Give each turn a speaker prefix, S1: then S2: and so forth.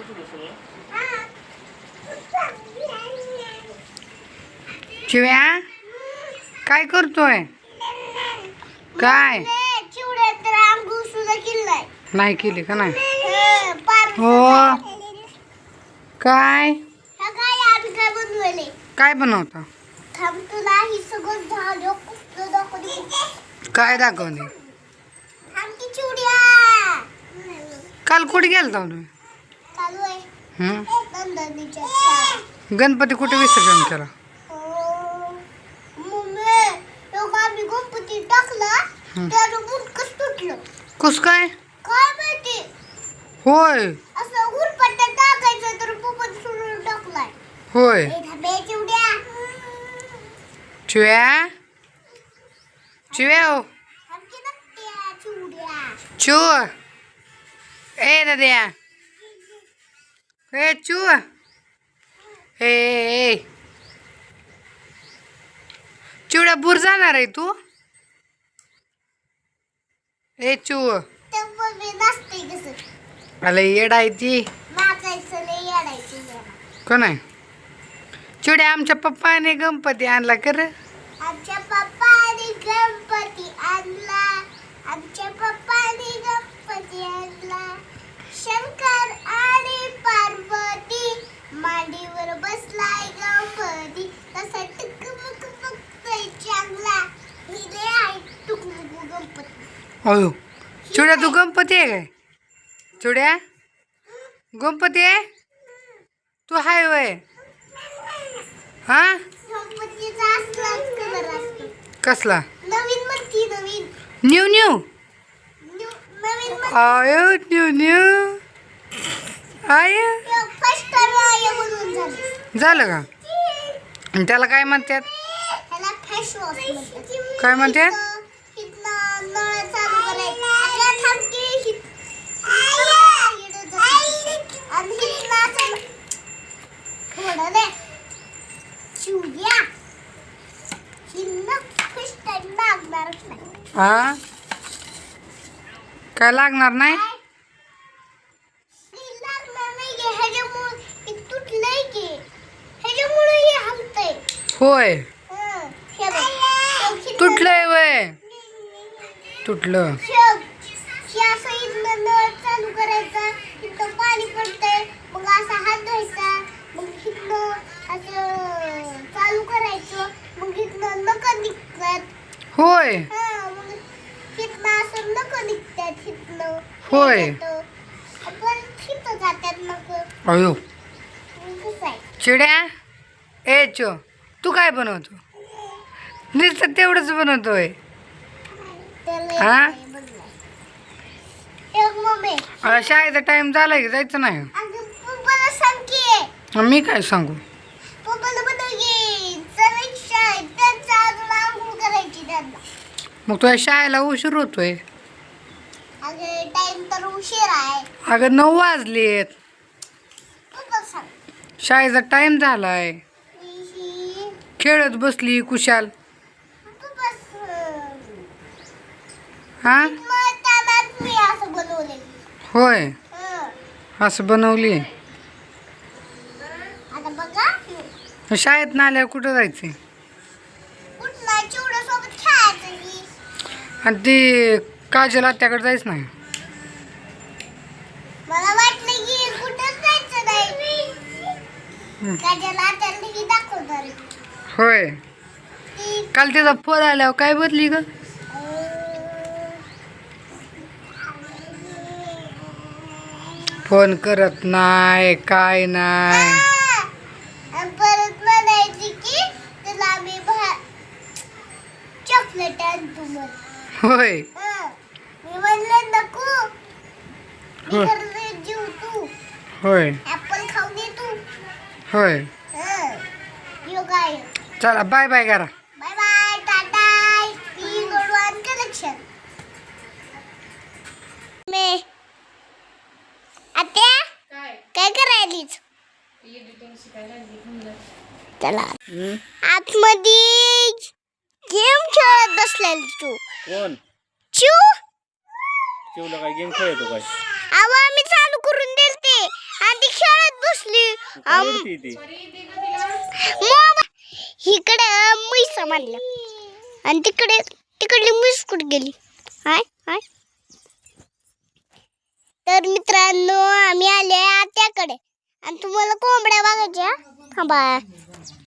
S1: चिव्या काय करतोय? काय नाही केली का? नाही हो. काय काय बनवता? काय दाखवणे? काल कुठे गेलता तुम्ही? गणपती कुठे विसर्जन केला? कस काय? होय होय. चिव्या चिव्या हो चू ए दाद्या ए चू ए चिवड्या बुर जाणार आहे तू? ए चू अला येड आहे ती का नाही? चिवड्या आमच्या पप्पाने गणपती आणला कर.
S2: आमच्या पप्पाने गणपती आणला. आमच्या पप्पाने गणपती आणला. शंकर आणि पार्वती मांडीवर बसलाय गणपती. तसा टुकमुक बघतोय चांगला. हिले आहे टुकमुक गणपती.
S1: अयो चिवड्या तू गणपती आहे काय? चिवड्या गणपती आहे तू? हाय वय हा?
S2: गणपतीचा असलाच कलर असतो.
S1: कसला?
S2: नवीन म्हणती नवीन.
S1: न्यू न्यू
S2: नवीन
S1: आयो न्यू न्यू आय
S2: फर्स्ट टाइम आहे म्हणून झालं.
S1: झालं का? आणि त्याला काय म्हणतात?
S2: ह्याला फेस वॉश म्हणतात.
S1: काय म्हणतात?
S2: इथनं नळ चालू करायचं. आता थांबकी आणि इथनं असं थोडं दे चिवड्या. हिनं फर्स्ट टाइम लागणारच नाही.
S1: हा काय लागणार नाही?
S2: लागणार नाही गे. ह्याच्यामुळे हे तुटलंय की. ह्याच्यामुळे हे हलतंय.
S1: होय
S2: हे बघ
S1: तुटलंय वय तुटलं.
S2: हे असं इथनं नळ चालू करायचा. इथं पाणी पडतंय. मग असा हात धुवायचा. मग इथनं असं चालू करायचं. मग इथनं नखं निघतात.
S1: होय
S2: मग इथनं असं नखं निघतात. इथनं
S1: होय.
S2: पण इथं जातात नखं.
S1: अयो
S2: कसं आहे?
S1: चिड्या ए चो तू काय बनवतो? नुसतं तेवढंच बनवतोय
S2: त्याला
S1: हा?
S2: एक बदलाय. एक मम्मी
S1: शाळेचा टाइम झाला की जायचं नाही?
S2: अगं पप्पाला सांग की.
S1: मी काय सांगू?
S2: पप्पाला बनव की. चल शाळेत त्यांचा अजून आंघोळ करायची त्यांना.
S1: मग तुझ्या शाळेला उशीर होतोय.
S2: अगं टाइम तर उशीर आहे.
S1: अगं 9 वाजलेत.
S2: पप्पाला सांग.
S1: शाळेचा टाइम झालाय.
S2: ही
S1: खेळत बसली कुशाल
S2: पप्पा
S1: हा?
S2: मग त्यालाच मी असं बनवले.
S1: होय असं बनवली.
S2: आता बघा
S1: शाळेत ना आल्यावर कुठं जायचंय?
S2: कुठला चिवड्यासोबत खेळायचं की.
S1: आणि ती काजल आत्याकडे जायचं नाही?
S2: मला वाटलं की कुठंच जायचं नाही. काजला त्याला ही दाखवणार.
S1: होय
S2: ती
S1: काल तिचा फोन आल्यावर काय बदली ग? फोन करत नाही काय नाही.
S2: आणि परत म्हणायची की तुला मी चॉकलेट आणतो मग.
S1: होय
S2: मी म्हणलं नको. मी
S1: होय.
S2: घरी जीव तू
S1: होय
S2: ऍपल खाऊन ये तू.
S1: होय
S2: यो काय.
S1: चला बाय बाय करा.
S2: Bye bye tata. ही गोडवान कलेक्शन. मी आत्या काय करायलीच? चला आतमध्ये गेम खेळत बसलेली तू.
S3: कोण?
S2: चू
S3: चिवला काय गेम खेळतो काय?
S2: आवा मी चालू करून दिलते आणि ती
S3: रडती ती.
S2: इकडे म्हैस मानलं आणि तिकडली म्हैस कुठे गेली? हाय हाय. तर मित्रांनो आम्ही आले आत्याकडे आणि तुम्हाला कोंबड्या बघायच्या थांबा.